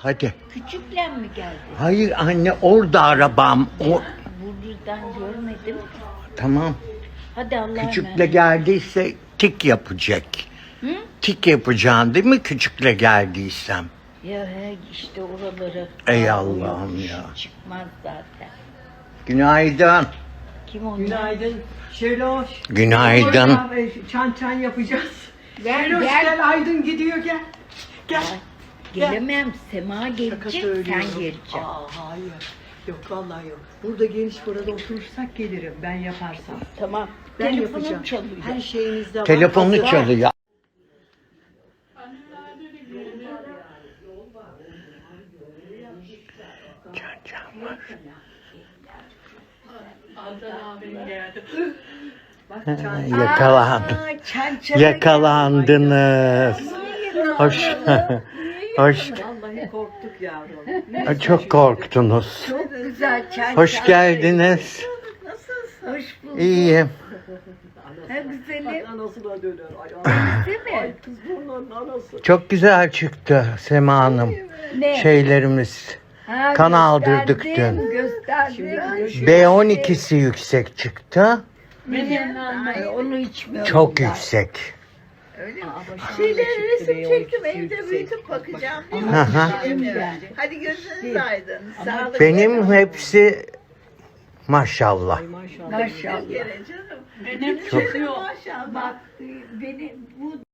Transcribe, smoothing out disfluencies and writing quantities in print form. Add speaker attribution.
Speaker 1: Hadi.
Speaker 2: Küçükle mi geldi?
Speaker 1: Hayır anne, orada arabam.
Speaker 2: Buradan görmedim.
Speaker 1: Tamam.
Speaker 2: Hadi Allah'a
Speaker 1: Küçükle geldiyse tik yapacak.
Speaker 2: Hı?
Speaker 1: Tik yapacaksın değil mi küçükle geldiysem?
Speaker 2: Ya işte oraları.
Speaker 1: Ey Allah'ım ya.
Speaker 2: Çıkmaz zaten.
Speaker 1: Günaydın.
Speaker 2: Kim onlar?
Speaker 3: Günaydın Şeloş.
Speaker 1: Günaydın.
Speaker 3: Çan yapacağız.
Speaker 2: Gel,
Speaker 3: Şeloş
Speaker 2: gel.
Speaker 3: gel, Aydın gidiyor gel. Gel.
Speaker 2: Gelemem. Sema
Speaker 3: Şaka
Speaker 2: gelecek, sen
Speaker 3: söylüyorum.
Speaker 2: geleceksin.
Speaker 3: Hayır. Yok vallahi yok. Burada geniş burada oturursak gelirim ben yaparsam.
Speaker 2: Tamam.
Speaker 3: Ben
Speaker 2: Telefonum
Speaker 3: yapacağım.
Speaker 2: çalıyor.
Speaker 3: Her şeyinizde var.
Speaker 1: Telefonu
Speaker 3: Hazır.
Speaker 1: çalıyor. Can var.
Speaker 3: Bak, çan.
Speaker 1: Yakalandı. Yakalandınız. Hoş. Hoş.
Speaker 3: Vallahi korktuk yavrum.
Speaker 1: Çok korktunuz.
Speaker 2: Çok güzel çay.
Speaker 1: Hoş geldiniz.
Speaker 2: Hoş bulduk.
Speaker 1: İyiyim.
Speaker 2: Ha güzelim.
Speaker 3: Anasına döner.
Speaker 2: Değil mi?
Speaker 3: Ay kız bunların anası.
Speaker 1: Çok güzel çıktı Sema Hanım.
Speaker 2: Ne?
Speaker 1: Şeylerimiz.
Speaker 2: Ha,
Speaker 1: Kan aldırdık
Speaker 2: gösterdim,
Speaker 1: dün.
Speaker 2: Gösterdim.
Speaker 1: B12'si yüksek çıktı.
Speaker 2: Onu içmiyorum.
Speaker 1: Çok
Speaker 2: ben.
Speaker 1: yüksek.
Speaker 4: Şeyleri resim çektim, evde büyütüp bakacağım değil mi?
Speaker 1: Hı hı.
Speaker 4: Hadi gözünüz aydın. Sağlıklı.
Speaker 1: Benim hepsi maşallah.
Speaker 3: Maşallah.
Speaker 2: Maşallah.
Speaker 4: Bir kere canım.
Speaker 1: Çok
Speaker 4: Maşallah.
Speaker 2: Bak benim bu